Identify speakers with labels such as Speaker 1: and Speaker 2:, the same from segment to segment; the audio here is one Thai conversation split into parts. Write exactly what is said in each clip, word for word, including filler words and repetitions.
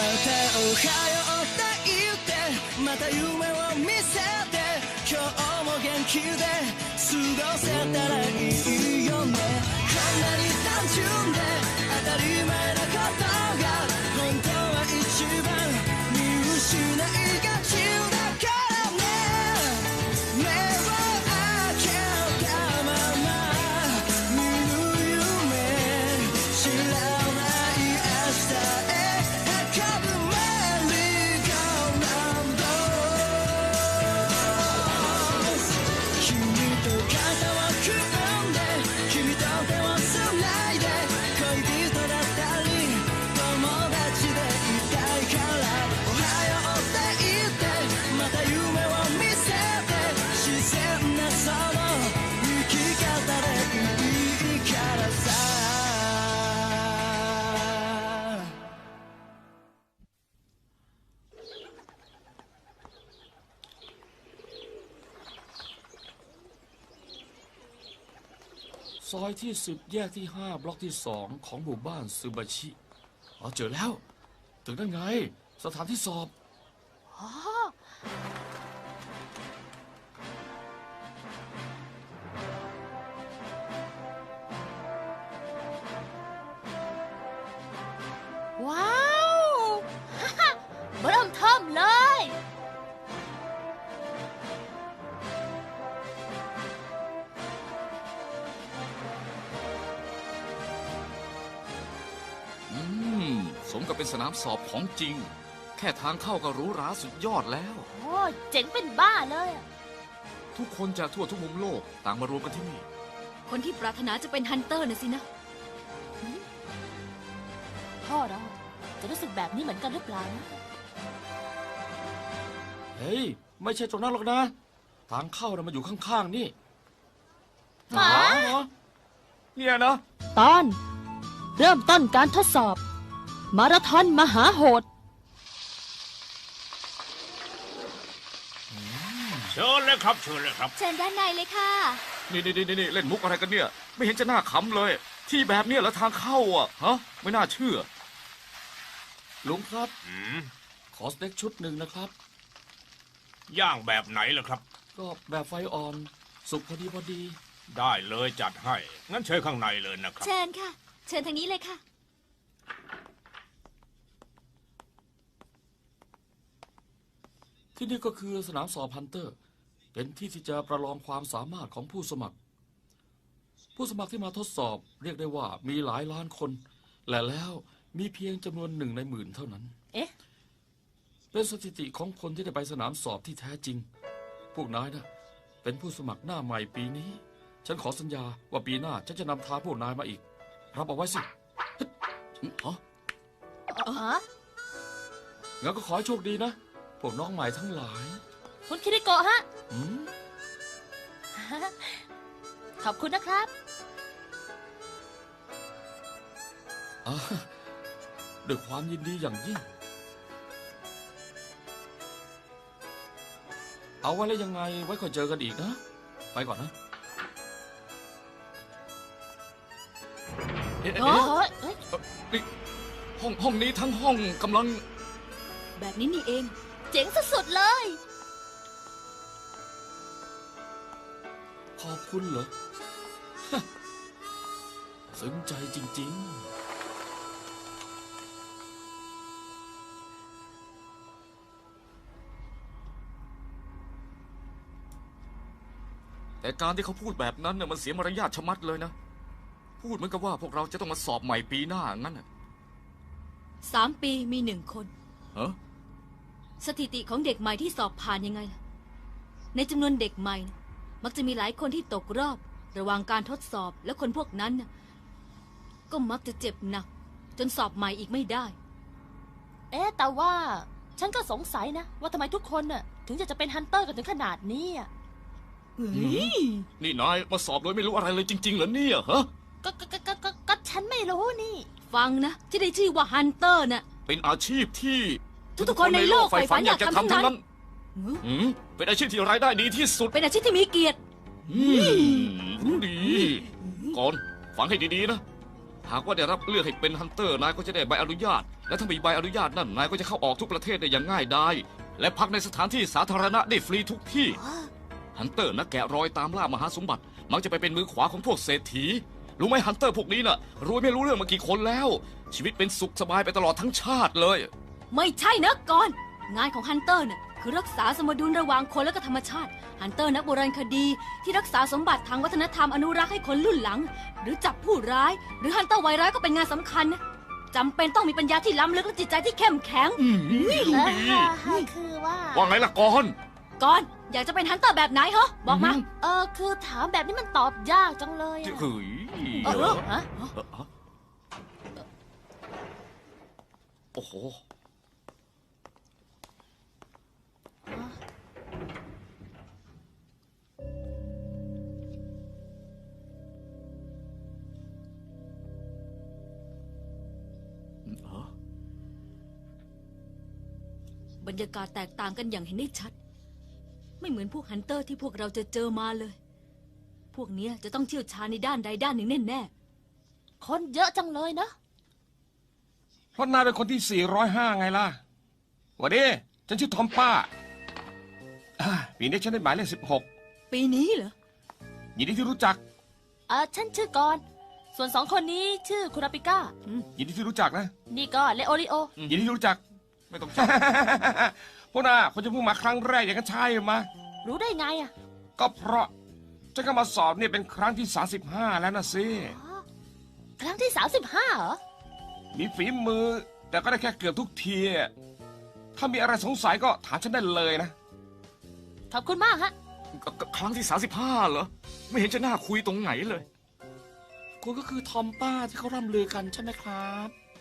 Speaker 1: たおはようって言ってまた夢を見せて今日も元気で過ごせたらいいよねこんなに単純で当たり前なことが本当は一番見失いがちだからね目を開けたまま見る夢知らない明日へ運ぶメリーゴーラウンド君と肩を組んで君と手をつないで恋人だったり友達でいたいからおはようって言ってまた夢を見せて自然なその生き方でいいからさ
Speaker 2: ซอยที่สิบแยกที่ห้าบล็อกที่สองของหมู่บ้านซูบาชิอ๋อเจอแล้วถึงนั่นไงสถานที่สอบ
Speaker 3: อ๋อว้าวฮ่าฮ่าเริ่มเทิมเลย
Speaker 2: อืมสมกับเป็นสนามสอบของจริงแค่ทางเข้าก็หรูหราสุดยอดแล้ว
Speaker 3: โอ้เจ๋งเป็นบ้าเลยอะ
Speaker 2: ทุกคนจากทั่วทุกมุมโลกต่างมารวมกันที่นี่
Speaker 4: คนที่ปรารถนาจะเป็นฮันเตอร์น่ะสินะ
Speaker 3: พ่อเราจะรู้สึกแบบนี้เหมือนกันหรือเปล่านะ
Speaker 2: เฮ้ยไม่ใช่ตรงนั้นหรอกนะทางเข้าน่ะมันอยู่ข้างๆนี่
Speaker 3: หมา
Speaker 2: เหรอเนี่ยนะ
Speaker 3: ตอนเริ่มต้นการทดสอบ มาราธอนมหาโหด
Speaker 5: เชิญเลยครับเชิญเลยครับ
Speaker 4: เชิญด้านในเลยค่ะ
Speaker 2: นี่นี่นี่นี่เล่นมุกอะไรกันเนี่ยไม่เห็นจะน่าขำเลย ที่แบบเนี้ยแล้วทางเข้าอ่ะฮะไม่น่าเชื่อลุงครับ
Speaker 5: อืม
Speaker 2: ขอสเต็กชุดหนึ่งนะครับ
Speaker 5: ย่างแบบไหนล่ะครับ
Speaker 2: ก็แบบไฟอ่อนสุกพอดีพอดี
Speaker 5: ได้เลยจัดให้ งั้นเชิญข้างในเลยนะครับ
Speaker 4: เชิญค่ะ เชิญทางนี้เลยค่ะ
Speaker 2: ที่นี่ก็คือสนามสอบฮันเตอร์ เป็นที่ที่จะประลองความสามารถของผู้สมัคร ผู้สมัครที่มาทดสอบเรียกได้ว่ามีหลายล้านคน และแล้วมีเพียงจำนวนหนึ่งในหมื่นเท่านั้น
Speaker 3: เอ๊ะ
Speaker 2: เป็นสถิติของคนที่ได้ไปสนามสอบที่แท้จริง พวกนายนะเป็นผู้สมัครหน้าใหม่ปีนี้ ฉันขอสัญญาว่าปีหน้าฉันจะนำทางพวกนายมาอีก รับเอาไว้สิฮะ
Speaker 3: อ๋อ
Speaker 2: งั้นก็ขอให้โชคดีนะ พวกน้องใหม่ทั้งหลาย
Speaker 3: คุณคิริโกะฮะ
Speaker 2: อืม
Speaker 3: ขอบคุณนะครับ
Speaker 2: อ่ะด้วยความยินดีอย่างยิ่ง เอาไว้แล้วยังไงไว้ค่อยเจอกันอีกนะ ไปก่อนนะเอ๊ะ
Speaker 3: โอ้
Speaker 2: เอ๊ะ
Speaker 3: ยเอ้ย
Speaker 2: นี่ห้องห้องนี้ทั้งห้องกำลัง
Speaker 4: แบบนี้นี่เอง
Speaker 3: เจ๋งสุดๆเลย
Speaker 2: ขอบคุณเหรอ ฮะสนใจจริง ๆ แต่การที่เขาพูดแบบนั้นน่ะมันเสียมารยาทชะมัดเลยนะ พูดเหมือนกับว่าพวกเราจะต้องมาสอบใหม่ปีหน้างั้นน่ะ
Speaker 4: สามปีมีหนึ่งคน
Speaker 2: เฮ้อ
Speaker 4: สถิติของเด็กใหม่ที่สอบผ่านยังไงล่ะ ในจำนวนเด็กใหม่นะมักจะมีหลายคนที่ตกรอบ ระหว่างการทดสอบ และคนพวกนั้นนะก็มักจะเจ็บหนัก จนสอบใหม่อีกไม่ได้
Speaker 3: เอ๊ะแต่ว่าฉันก็สงสัยนะ ว่าทำไมทุกคนน่ะถึงจะจะเป็นฮันเตอร์กันถึงขนาดนี้อ่ะ
Speaker 2: นี่นายมาสอบโดยไม่รู้อะไรเลยจริงๆเหรอเนี่ยฮะ
Speaker 3: ก็ก็ก็ก็ก็ก็ฉันไม่รู้นี่
Speaker 4: ฟังนะที่ได้ชื่อว่าฮันเตอร์น่ะ
Speaker 2: เป็นอาชีพที่
Speaker 4: ทุกๆคนในโลกใฝ่ฝันอยากทำทั้งนั้น
Speaker 2: อืมเป็นอาชีพที่รายได้ดีที่สุด
Speaker 4: เป็นอาชีพที่มีเกียรติ
Speaker 2: อืมรู้ดี ก่อนฟังให้ดีๆนะ หากว่าได้รับเลือกให้เป็นฮันเตอร์นายก็จะได้ใบอนุญาตและถ้ามีใบอนุญาตนั่นนายก็จะเข้าออกทุกประเทศได้อย่างง่ายดายและพักในสถานที่สาธารณะได้ฟรีทุกที่ฮันเตอร์นักแกะรอยตามล่ามหาสมบัติมักจะไปเป็นมือขวาของพวกเศรษฐีรู้ไหมฮันเตอร์พวกนี้น่ะรวยไม่รู้เรื่องมากี่คนแล้วชีวิตเป็นสุขสบายไปตลอดทั้งชาติเลย
Speaker 4: ไม่ใช่นะก่อนงานของฮันเตอร์น่ะคือรักษาสมดุลระหว่างคนและก็ธรรมชาติฮันเตอร์นักโบราณคดีที่รักษาสมบัติทางวัฒนธรรมอนุรักษ์ให้คนรุ่นหลังหรือจับผู้ร้ายหรือฮันเตอร์ไวร้ายก็เป็นงานสำคัญนะจำเป็นต้องมีปัญญาที่ล้ำลึกและจิตใจที่เข้มแข็ง
Speaker 2: อืม
Speaker 3: เอ
Speaker 2: รู้
Speaker 3: อ
Speaker 2: ดี
Speaker 3: ค่ะค่ะคือว่า
Speaker 2: ว่าไงล่ะก่อน
Speaker 4: ก่อนอยากจะเป็นฮันเตอร์แบบไหนเหรอบอกมา
Speaker 3: เออคือถามแบบนี้มันตอบยากจังเลยอะ
Speaker 2: เฮ้ย
Speaker 3: เออฮะ
Speaker 2: เออฮะโอ้โหเออบ
Speaker 4: รรยากาศแตกต่างกันอย่างเห็นได้ชัด ไม่เหมือนพวกฮันเตอร์ที่พวกเราจะเจอมาเลย พวกเนี้ยจะต้องเชี่ยวชาญในด้านใดด้านหนึ่งแน่
Speaker 3: คนเยอะจังเลยนะ
Speaker 6: เพราะนายเป็นคนที่สี่ร้อยห้าไงล่ะหวัดดีฉันชื่อทอมป้าอ่าปีนี้ฉันได้หมายเลขสิบหก
Speaker 4: ๆ ปีนี้เหรอ
Speaker 6: ยินดีที่รู้จัก
Speaker 3: เออฉันชื่อกอนส่วนสองคนนี้ชื่อคุราปิก้า
Speaker 6: ยินดีที่รู้จักนะ
Speaker 3: นี่ก็เลโอริโอ
Speaker 6: ยินดีที่รู้จัก
Speaker 2: ไม่ต้องจับ
Speaker 6: พวกน่าคนจะเพิ่งมาครั้งแรกอย่างนั้นใช่ไหม
Speaker 3: รู้ได้ไงอะ
Speaker 6: ก็เพราะฉันก็มาสอบเนี่ยเป็นครั้งที่สามสิบห้าแล้วนะสิ
Speaker 3: อ๋อครั้งที่สามสิบห้าเหรอ
Speaker 6: มีฝีมือ แต่ก็ได้แค่เกือบทุกทีถ้ามีอะไรสงสัยก็ถามฉันได้เลยนะ
Speaker 3: ขอบคุณมากฮะ
Speaker 2: ครั้งที่สามสิบห้าเหรอ ไม่เห็นจะน่าคุยตรงไหนเลย คุณก็คือทอมป้าที่เขาร่ำลือกันใช่ไหมครับ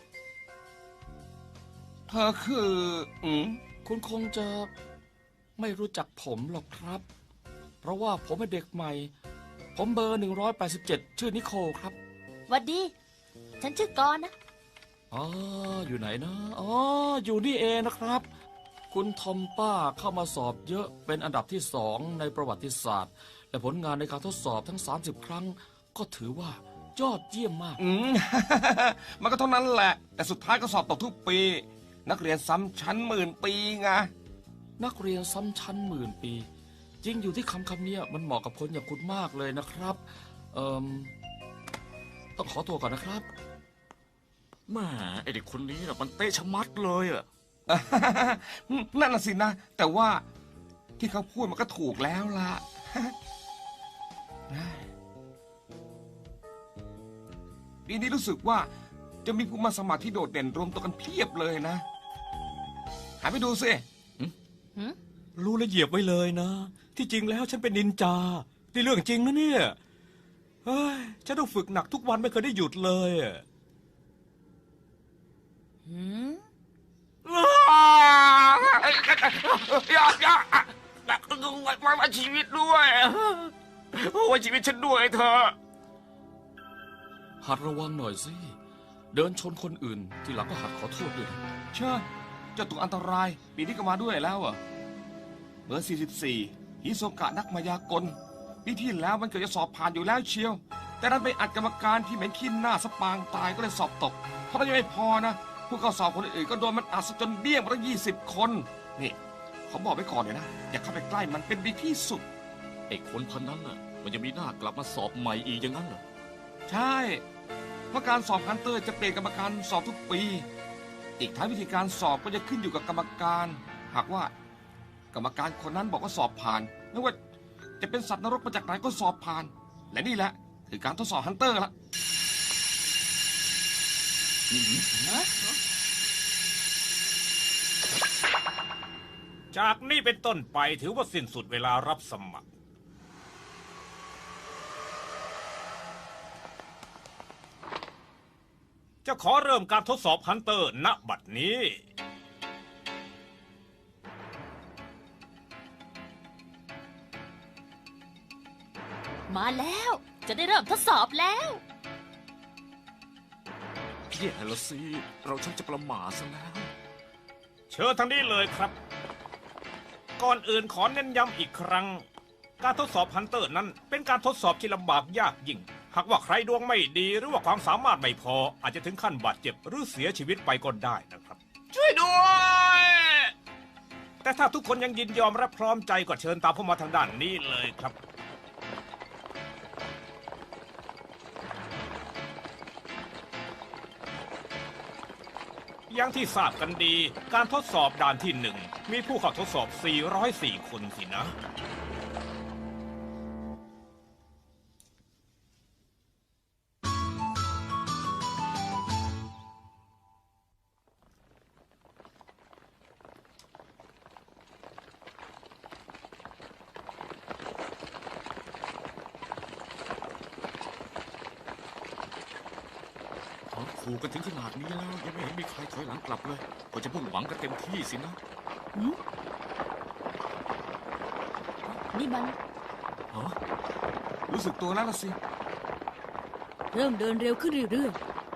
Speaker 6: เธอคือ อืม
Speaker 2: คุณคงจะไม่รู้จักผมหรอกครับ เพราะว่าผมเป็นเด็กใหม่ ผมเบอร์หนึ่งร้อยแปดสิบเจ็ดชื่อนิโคลครับ
Speaker 3: หวัดดี ฉันชื่อกอนนะ
Speaker 2: อ๋อ อยู่ไหนนะ อ๋อ อยู่นี่เองนะครับ คุณทอมป้าเข้ามาสอบเยอะเป็นอันดับที่สองในประวัติศาสตร์ และผลงานในการทดสอบทั้ง สามสิบ ครั้ง ก็ถือว่ายอดเยี่ยมมาก
Speaker 6: อืม มันก็เท่านั้นแหละ แต่สุดท้ายก็สอบตกทุกปี นักเรียนซ้ำชั้นหมื่นปีไง
Speaker 2: นักเรียนซ้ำชั้นหมื่นปี จริงอยู่ที่คำคำนี้มันเหมาะกับคนอย่างคุณมากเลยนะครับ เอ่อต้องขอตัวก่อนนะครับแหม่ไอเด็กคนนี้น่ะมันเตะชะมัดเลยอะ
Speaker 6: นั่นน่ะสินะ แต่ว่าที่เขาพูดมันก็ถูกแล้วล่ะ ปีนี้รู้สึกว่าจะมีผู้มาสมัครที่โดดเด่นรวมตัวกันเพียบเลยนะ หาไปดูสิ
Speaker 7: รู้และเหยียบไว้เลยนะ ที่จริงแล้วฉันเป็นนินจานี่เรื่องจริงนะเนี่ยเฮ้ยฉันต้องฝึกหนักทุกวันไม่เคยได้หยุดเลยอะ
Speaker 3: หืม
Speaker 6: อย่าอย่ามามาชีวิตด้วยไว้ชีวิตฉันด้วยเธอ
Speaker 2: หัดระวังหน่อยสิ เดินชนคนอื่น ทีหลังก็หัดขอโทษด้วยนะ
Speaker 6: เชื่อเจ้าตัวอันตราย ปีนี้ก็มาด้วยแล้วอ่ะเบอร์สี่สิบสี่ฮิโซกะนักมายากลปีที่แล้วมันเกือบจะสอบผ่านอยู่แล้วเชียว แต่นั้นไปอัดกรรมการที่เหม็นขี้หน้าสปางตายก็เลยสอบตกเพราะนั้นยังไม่พอนะผู้เข้าสอบคนอื่นก็โดนมันอัดซะจนเบี้ยงมาตั้งยี่สิบคนนี่เขาบอกไว้ก่อนเลยนะอย่าเข้าไปใกล้มันเป็นดีที่สุด
Speaker 2: ไอ้คนพันนั้นน่ะ มันจะมีหน้ากลับมาสอบใหม่อีกอย่างนั้นเหรอ
Speaker 6: ใช่ เพราะการสอบฮันเตอร์จะเปลี่ยนกรรมการสอบทุกปี อีกทั้งวิธีการสอบก็จะขึ้นอยู่กับกรรมการ หากว่ากรรมการคนนั้นบอกว่าสอบผ่านไม่ว่าจะเป็นสัตว์นรกมาจากไหนก็สอบผ่าน และนี่แหละคือการทดสอบฮันเตอร์ละ
Speaker 5: จากนี้เป็นต้นไปถือว่าสิ้นสุดเวลารับสมัคร จะขอเริ่มการทดสอบฮันเตอร์ณบัดนี้
Speaker 3: มาแล้ว จะได้เริ่มทดสอบแล้ว
Speaker 2: แย่ละสิ เราช่างจะประมาทซะแล้ว
Speaker 5: เชิญทางนี้เลยครับ ก่อนอื่นขอเน้นย้ำอีกครั้ง การทดสอบฮันเตอร์นั้นเป็นการทดสอบที่ลำบากยากยิ่ง หากว่าใครดวงไม่ดีหรือว่าความสามารถไม่พอ อาจจะถึงขั้นบาดเจ็บหรือเสียชีวิตไปก็ได้นะครับ
Speaker 6: ช่วยด้วย
Speaker 5: แต่ถ้าทุกคนยังยินยอมและพร้อมใจก็เชิญตามผมมาทางด้านนี้เลยครับ อย่างที่ทราบกันดี การทดสอบด่านที่หนึ่งมีผู้เข้าทดสอบ สี่ร้อยสี่ คนสินะ
Speaker 2: เขาขู่กันถึงขนาดนี้แล้วยังไม่เห็นมีใครถอยหลังกลับเลยก็จะพุ่งหวังกันเต็มที่สินะ
Speaker 3: นี่มัน
Speaker 2: ฮะ
Speaker 6: รู้สึกตัวแล้วล่ะสิ
Speaker 4: เริ่มเดินเร็วขึ้นเรื่อย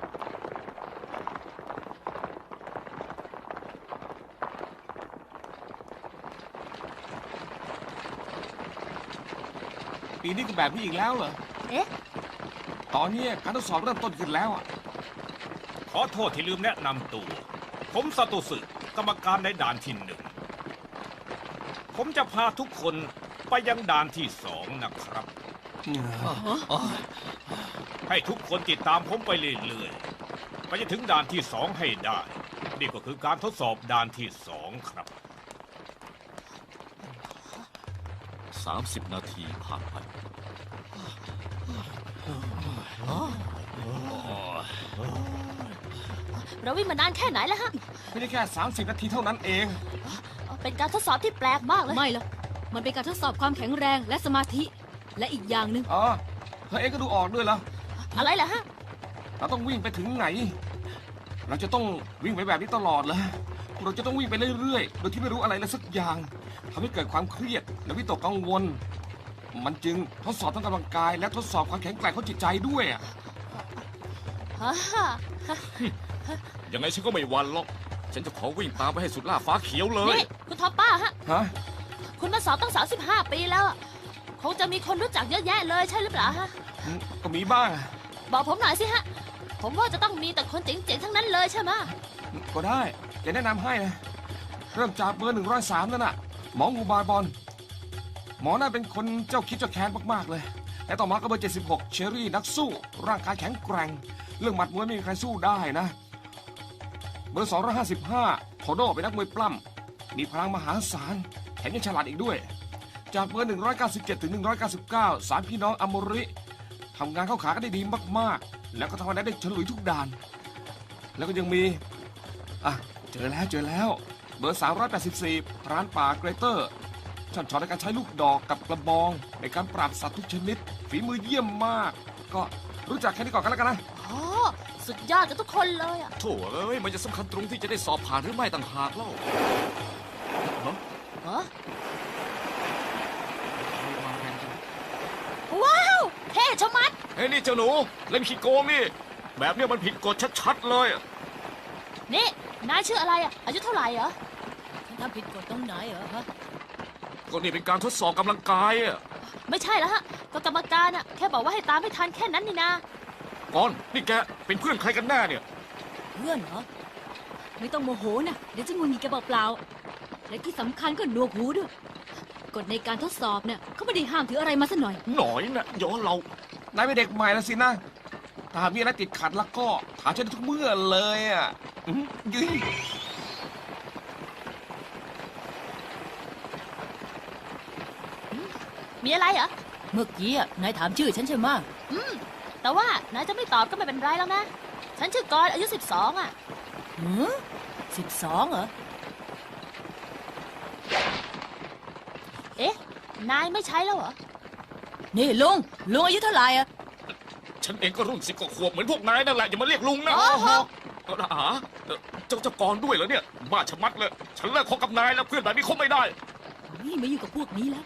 Speaker 6: ปีนี้ก็แบบนี้อีกแล้วเหรอ
Speaker 3: เอ๊ะ
Speaker 6: ตอนนี้การทดสอบเริ่มต้นขึ้นแล้วอ่ะ
Speaker 5: ขอโทษที่ลืมแนะนำตัว ผมซาโตสึกรรมการในด่านที่หนึ่ง ผมจะพาทุกคนไปยังด่านที่สองนะครับ ให้ทุกคนติดตามผมไปเรื่อยๆ ไปจนถึงด่านที่สองให้ได้ นี่ก็คือการทดสอบด่านที่สองครับ
Speaker 2: สามสิบนาทีผ่านไป
Speaker 3: เราวิ่งมานานแค่ไหนแล้วฮะ
Speaker 6: ไม่ได้แค่ สามสิบ นาทีเท่านั้นเอง
Speaker 3: เป็นการทดสอบที่แปลกมากเลย
Speaker 4: ๆ ไม่หรอกมันเป็นการทดสอบความแข็งแรงและสมาธิ และอีกอย่างหนึ่ง
Speaker 6: อ๋อเธอเองก็ดูออกด้วยเหรอ
Speaker 3: อะไรล่ะฮะ
Speaker 6: เราต้องวิ่งไปถึงไหน เราจะต้องวิ่งไปแบบนี้ตลอดเลยเราจะต้องวิ่งไปเรื่อยๆ โดยที่ไม่รู้อะไรเลยสักอย่างทำให้เกิดความเครียดและวิตกกังวล มันจึงทดสอบทั้งกำลังกาย และทดสอบความแข็งแกร่งของจิตใจด้วยอะ
Speaker 3: ฮ่าฮ่า
Speaker 2: ยังไงฉันก็ไม่หวันหรอก ฉันจะขอวิ่งตามไปให้สุดล่าฟ้าเขียวเลย
Speaker 3: นี่คุณท็อปป้าฮะ
Speaker 6: ฮะ
Speaker 3: คุณมาสอบตั้งสามสิบห้าปีแล้วอะคงจะมีคนรู้จักเยอะแยะเลยใช่หรือเปล่าฮะ
Speaker 6: อืมก็มีบ้าง
Speaker 3: บอกผมหน่อยสิฮะ ผมว่าจะต้องมีแต่คนเจ๋งๆทั้งนั้นเลยใช่ไหมะ
Speaker 6: ก็ได้จะแนะนำให้นะเริ่มจากเบอร์หนึ่งร้อยสามนั่นน่ะ หมองูบายบอล หมอน่าเป็นคนเจ้าคิดเจ้าแค้นมากๆเลย แต่ต่อมาก็เบอร์เจ็ดสิบหกเชอรี่นักสู้ ร่างกายแข็งแกร่ง เรื่องหมัดมวยไม่มีใครสู้ได้นะ เบอร์สองร้อยห้าสิบห้าโทโดเป็นนักมวยปล้ำ มีพลังมหาศาล แถมยังฉลาดอีกด้วย จากเบอร์หนึ่งร้อยเก้าสิบเจ็ดถึงหนึ่งร้อยเก้าสิบเก้าสามพี่น้องอโมริทำงานเข้าขากันได้ดีมากๆ แล้วก็ทำงานได้ฉลุยทุกด่าน แล้วก็ยังมี อ่ะ เจอแล้วเจอแล้ว เบอร์ สามร้อยแปดสิบสี่พรานป่าเกรเตอร์ช่ำชองในการใช้ลูกดอกกับกระบอง ในการปราบสัตว์ทุกชนิด ฝีมือเยี่ยมมาก ก็รู้จักแค่นี้ก่อนกันแล้วกันนะ
Speaker 3: อ๋อ สุดยอดกันทุกคนเลยอะ
Speaker 2: โถ่เอ้ย มันจะสำคัญตรงที่จะได้สอบผ่านหรือไม่ต่างหากเล่าฮะ
Speaker 3: ฮะ
Speaker 2: ไม่มาแรงจัง
Speaker 3: ว้าว เท่ชะมัด
Speaker 2: เฮ้ยนี่เจ้าหนูเล่นขี้โกงนี่ แบบเนี้ยมันผิดกฎชัดๆเลยอะ
Speaker 3: นี่ นายชื่ออะไรอะอายุเท่าไหร่เหรอทำผิดกฎตรงไหนเหรอฮะ
Speaker 2: ก็นี่เป็นการทดสอบกำลังกายอะ
Speaker 3: ไม่ใช่แล้วฮะ ก็กรรมการอะแค่บอกว่าให้ตามให้ทันแค่นั้นนี่นา
Speaker 2: ก่อนนี่แกเป็นเพื่อนใครกันแน่เนี่ย
Speaker 3: เพื่อนเหรอ
Speaker 4: ไม่ต้องโมโหนะเดี๋ยวจะงุนงิดแกเปล่าๆและที่สำคัญก็หนวกหูด้วยกฎในการทดสอบเนี่ยเขาไม่ได้ห้ามถืออะไรมาสักหน่อย
Speaker 2: หน่อยนะย้อนเรา
Speaker 6: นายเป็นเด็กใหม่แล้วสินะ ถ้าหากมีอะไรติดขัดแล้วก็ถามฉันได้ทุกเมื่อเลยอ่ะอืมยืย
Speaker 3: มีอะไรเหรอ
Speaker 8: เมื่อกี้อะนายถามชื่อฉันใช่ไหมะ
Speaker 3: อืม แต่ว่านายจะไม่ตอบก็ไม่เป็นไรแล้วนะ ฉันชื่อกรอายุสิบสองอ่ะ
Speaker 8: หือสิบสองเหรอ
Speaker 3: เอ๊ะ นายไม่ใช้แล้วเหรอ
Speaker 8: นี่ลุง ลุงอายุเท่าไหร่อะ
Speaker 2: ฉันเองก็รุ่นสิบกว่าขวบเหมือนพวกนายนั่นแหละอย่ามาเรียกลุงนะ
Speaker 3: โอ้โห
Speaker 2: เอาละอาเอ่อเจ้าเจ้ากรด้วยเหรอเนี่ยบ้าชะมัดเลย ฉันเลิกคบกับนายแล้วเพื่อนแบบนี้คบไม่ได้
Speaker 4: นี่ไม่อยู่งกับพวกนี้แล้ว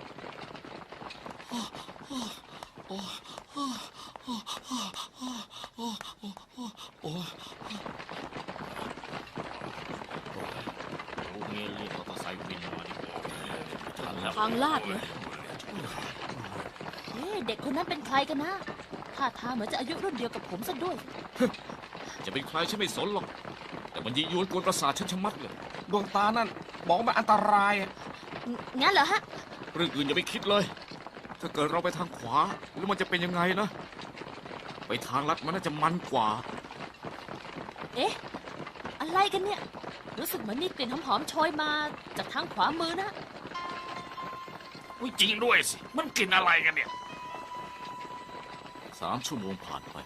Speaker 2: โอ้เงี้ยเรียกมอเตอร์ไซค์วินมาดีกว่าทันแล้ว
Speaker 4: ทางลาดเลย
Speaker 3: เอ๊ะเด็กคนนั้นเป็นใครกันนะ ท่าทางเหมือนจะอายุรุ่นเดียวกับผมซะด้วย
Speaker 2: จะเป็นใครฉันไม่สนหรอกแต่มันยียวนกวนประสาทฉันชะมัดเลย
Speaker 6: ดวงตานั่นบอกว่ามันอันตรายอะ
Speaker 3: งั้นเหรอฮะ
Speaker 2: เรื่องอื่นอย่าไปคิดเลย ถ้าเกิดเราไปทางขวาแล้วมันจะเป็นยังไงนะ ไปทางลัดมันน่าจะมันกว่า
Speaker 3: เอ๊ะ อะไรกันเนี่ย รู้สึกเหมือนมีกลิ่นหอมๆโชยมาจากทางขวามือนะ
Speaker 2: อุ้ยจริงด้วยสิ มันกลิ่นอะไรกันเนี่ย สามชั่วโมงผ่านไป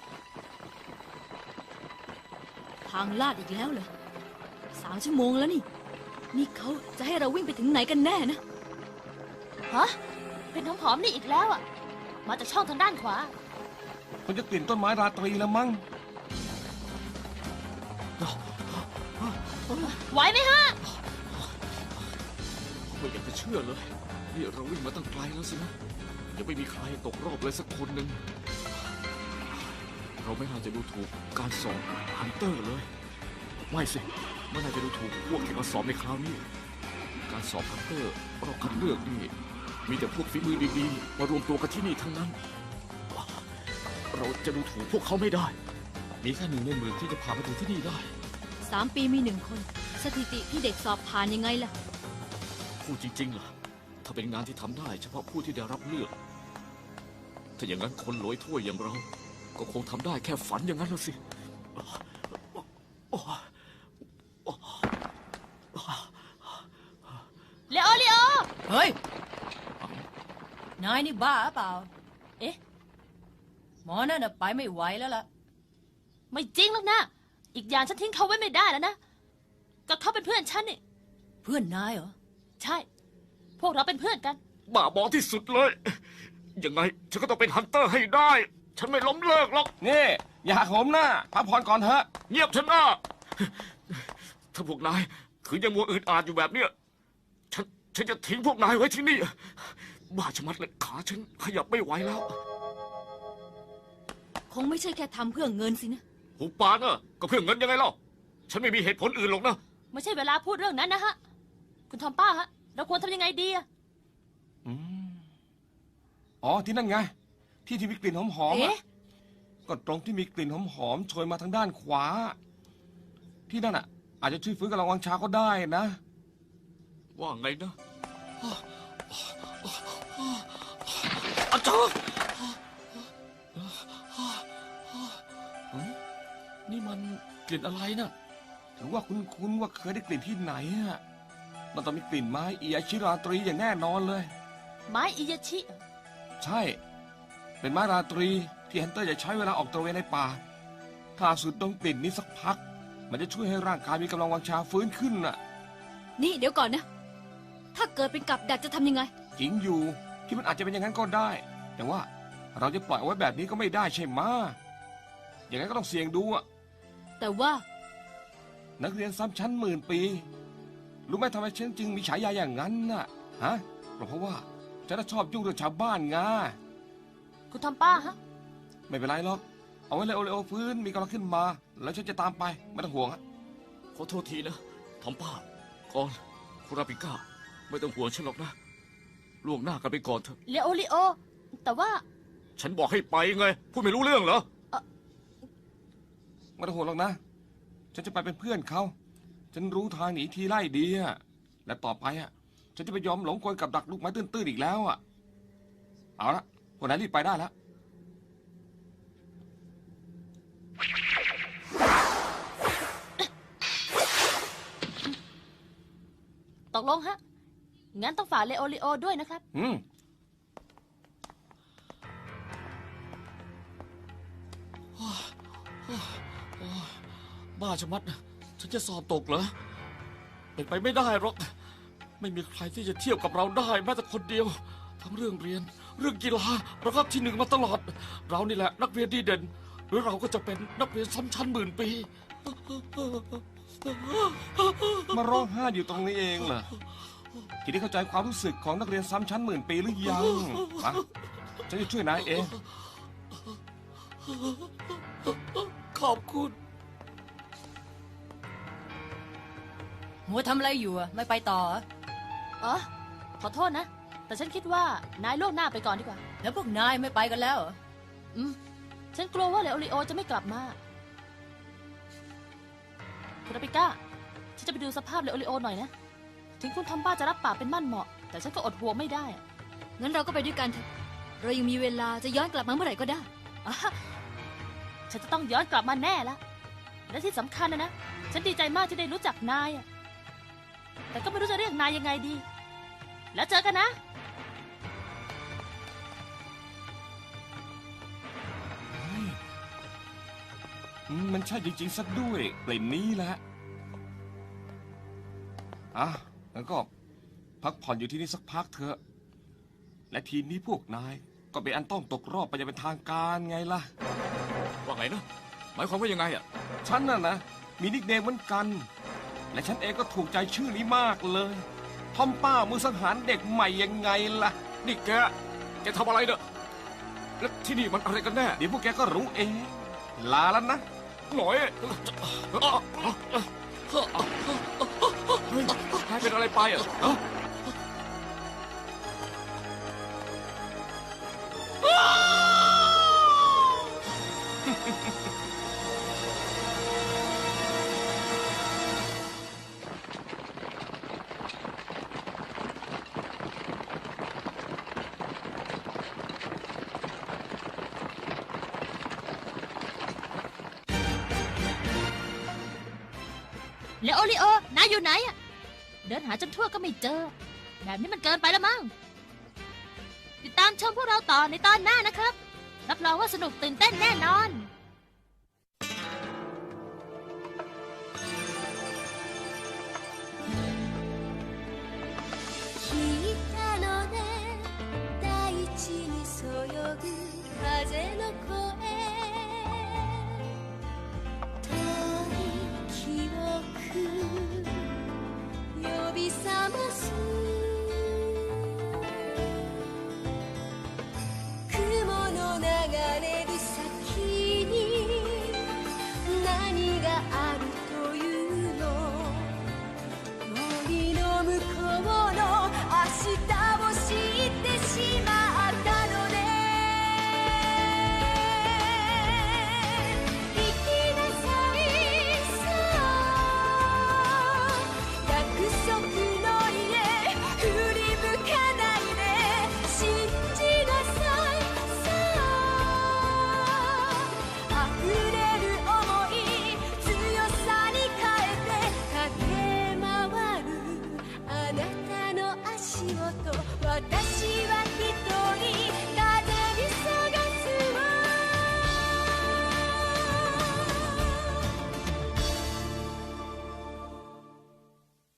Speaker 4: ทางลาดอีกแล้วเหรอสามชั่วโมงแล้วนี่ นี่เขาจะให้เราวิ่งไปถึงไหนกันแน่นะ
Speaker 3: ฮะ เป็นหอมๆนี่อีกแล้วอ่ะ มาจากช่องทางด้านขวา
Speaker 6: มันจะกลิ่นต้นไม้ราตรีแล้วมั้ง
Speaker 3: ไหวไหมฮะ
Speaker 2: ไม่อยากจะเชื่อเลย นี่เราวิ่งมาตั้งไกลแล้วสินะยังไม่มีใครตกรอบเลยสักคนหนึ่ง เราไม่น่าจะดูถูกการสอบฮันเตอร์เลย ไม่สิไม่น่าจะดูถูกพวกที่มาสอบในคราวนี้ การสอบฮันเตอร์เราคัดเลือกนี่มีแต่พวกฝีมือดีๆมารวมตัวกันที่นี่ทั้งนั้น เราจะดูถูกพวกเขาไม่ได้ มีแค่หนึ่งในหมื่นที่จะผ่านมาถึงที่นี่ได้
Speaker 4: สามปีมีหนึ่งคน สถิติที่เด็กสอบผ่านยังไงล่ะ
Speaker 2: พูดจริงๆล่ะ ถ้าเป็นงานที่ทำได้เฉพาะผู้ที่ได้รับเลือก ถ้าอย่างนั้นคนโหลอยถ้วยอย่างเรา ก็คงทำได้แค่ฝันอย่างนั้นแล้วสิ
Speaker 3: เลโอเลโอ
Speaker 8: เฮ้ย นายนี่บ้าเปล่า
Speaker 3: เอ๊ะ
Speaker 8: หมอนั่นน่ะไปไม่ไหวแล้วล่ะ
Speaker 3: ไม่จริงหรอกนะ อีกอย่างฉันทิ้งเขาไว้ไม่ได้แล้วนะ ก็เขาเป็นเพื่อนฉันนี่
Speaker 8: เพื่อนนายเหรอ
Speaker 3: ใช่ พวกเราเป็นเพื่อนกัน
Speaker 2: บ้าบอที่สุดเลย ยังไงฉันก็ต้องเป็นฮันเตอร์ให้ได้ ฉันไม่ล้มเลิกหรอก
Speaker 6: นี่ อย่าหักโหมหน้าพักผ่อนก่อนเถอะ
Speaker 2: เงียบเถอะนะถ้าพวกนายคือยังมัวอืดอาดอยู่แบบเนี้ย ฉัน ฉันจะทิ้งพวกนายไว้ที่นี่ บ้าชะมัดเลยขาฉันขยับไม่ไหวแล้ว
Speaker 4: คงไม่ใช่แค่ทำเพื่อเงินสินะ
Speaker 2: หูปากอะก็เพื่อเงินยังไงเล่า ฉันไม่มีเหตุผลอื่นหรอกนะ
Speaker 3: ไม่ใช่เวลาพูดเรื่องนั้นนะฮะ คุณทอมป้าฮะ เราควรทำยังไงดีอะ
Speaker 6: อืมอ๋อ ที่นั่นไง ที่ที่มีกลิ่นหอมๆอะ
Speaker 3: เอ๊ะ
Speaker 6: ก็ตรงที่มีกลิ่นหอมๆโชยมาทางด้านขวา ที่นั่นอ่ะ อาจจะช่วยฟื้นกำลังวังชาก็ได้นะ
Speaker 2: ว่าไงนะอาจารย์นี่มันกลิ่นอะไรนะ
Speaker 6: ถือว่าคุ้นๆว่าเคยได้กลิ่นที่ไหนอะมันต้องมีกลิ่นไม้อีอาชิราตรีอย่างแน่นอนเลย
Speaker 3: ไม้อิยาชิเหรอ
Speaker 6: ใช่ เป็นไม้ราตรีที่ฮันเตอร์จะใช้เวลาออกตระเวนในป่า ถ้าสูดดมกลิ่นนี้สักพัก มันจะช่วยให้ร่างกายมีกำลังวังชาฟื้นขึ้นน่ะ
Speaker 4: นี่เดี๋ยวก่อนนะ ถ้าเกิดเป็นกับดักจะทำยังไง
Speaker 6: จริงอยู่ที่มันอาจจะเป็นอย่างนั้นก็ได้ แต่ว่าเราจะปล่อยเอาไว้แบบนี้ก็ไม่ได้ใช่ไหมะอย่างนั้นก็ต้องเสี่ยงดูอะ
Speaker 4: แต่ว่า
Speaker 6: นักเรียนซ้ำชั้นหมื่นปี รู้ไหมทำไมฉันจึงมีฉายาอย่างนั้นน่ะ ฮะ เพราะว่าฉันน่ะชอบยุ่งเรื่องชาวบ้านไง
Speaker 3: คุณทอมป้าฮะ
Speaker 6: ไม่เป็นไรหรอก เอาไว้เลยโอเลโอฟื้นมีกำลังขึ้นมา แล้วฉันจะตามไป ไม่ต้องห่วงอะ
Speaker 2: ขอโทษทีนะทอมป้าก่อนคุราปิก้า ไม่ต้องห่วงฉันหรอกนะล่วงหน้ากันไปก่อนเถอะ
Speaker 3: เลโอเลโอ แต่ว่า
Speaker 2: ฉันบอกให้ไปไง พูดไม่รู้เรื่องเหรอ
Speaker 6: ไม่ต้องห่วงหรอกนะ ฉันจะไปเป็นเพื่อนเขา ฉันรู้ทางหนีทีไล่ดีอะและต่อไปอะฉันจะไปยอมหลงกลกับดักลูกไม้ตื้นๆอีกแล้วอะเอาละพวกนายรีบไปได้แล้ว
Speaker 3: ตกลงฮะ งั้นต้องฝากเลโอเลโอด้วยนะครับ
Speaker 6: อืม
Speaker 2: บ้าชะมัดนะฉันจะสอบตกเหรอ เป็นไปไม่ได้หรอก ไม่มีใครที่จะเทียบกับเราได้แม้แต่คนเดียว ทั้งเรื่องเรียน เรื่องกีฬาเราก็ที่หนึ่งมาตลอด เรานี่แหละนักเรียนดีเด่น หรือเราก็จะเป็นนักเรียนซ้ำชั้นหมื่นปี
Speaker 6: มาร้องไห้อยู่ตรงนี้เองเหรอทีนี้เข้าใจความรู้สึกของนักเรียนซ้ำชั้นหมื่นปีหรือยังมาฉันจะช่วยนายเอง
Speaker 2: ขอบคุณ
Speaker 8: มัวทำอะไรอยู่อะไม่ไปต่อเหรอ
Speaker 3: อ๋อ ขอโทษนะ แต่ฉันคิดว่านายล่วงหน้าไปก่อนดีกว่า
Speaker 8: แล้วพวกนายไม่ไปกันแล้วเหรอ
Speaker 3: อืม ฉันกลัวว่าเลโอเลโอจะไม่กลับมาคุณอาปิก้า ฉันจะไปดูสภาพเลโอริโอหน่อยนะ ถึงคุณทอมบ้าจะรับปากเป็นมั่นเหมาะ แต่ฉันก็อดห่วงไม่ได้อะ
Speaker 4: งั้นเราก็ไปด้วยกันเถอะ เรายังมีเวลาจะย้อนกลับมาเมื่อไหร่ก็ได้
Speaker 3: อ่ะฉันจะต้องย้อนกลับมาแน่ละ และที่สำคัญนะนะ ฉันดีใจมากที่ได้รู้จักนายอะแต่ก็ไม่รู้จะเรียกนายยังไงดี แล้วเจอกันนะ
Speaker 6: อืมมันใช่จริงๆซะด้วยกลิ่นนี้แหละอ่ะแล้วก็พักผ่อนอยู่ที่นี่สักพักเถอะ และทีนี้พวกนายก็เป็นอันต้องตกรอบไปอย่างเป็นทางการไงล่ะ
Speaker 2: ว่าไงนะ หมายความว่ายังไงอ่ะ
Speaker 6: ฉันน่ะนะ มีนิกเนมเหมือนกัน และฉันเองก็ถูกใจชื่อนี้มากเลย ทอมป้ามือสังหารเด็กใหม่ยังไงล่ะ
Speaker 2: นี่แก แกทำอะไรเนอะแล้วที่นี่มันอะไรกันแน่
Speaker 6: เดี๋ยวพวกแกก็รู้เอง ลาแล้วนะ
Speaker 2: หน่อยเฮ้ยนายเป็นอะไรไปอ่ะฮะ
Speaker 3: เลโอริโอ นายอยู่ไหนอะเดินหาจนทั่วก็ไม่เจอ แบบนี้มันเกินไปแล้วมั้ง ติดตามชมพวกเราต่อในตอนหน้านะครับ รับรองว่าสนุกตื่นเต้นแน่นอน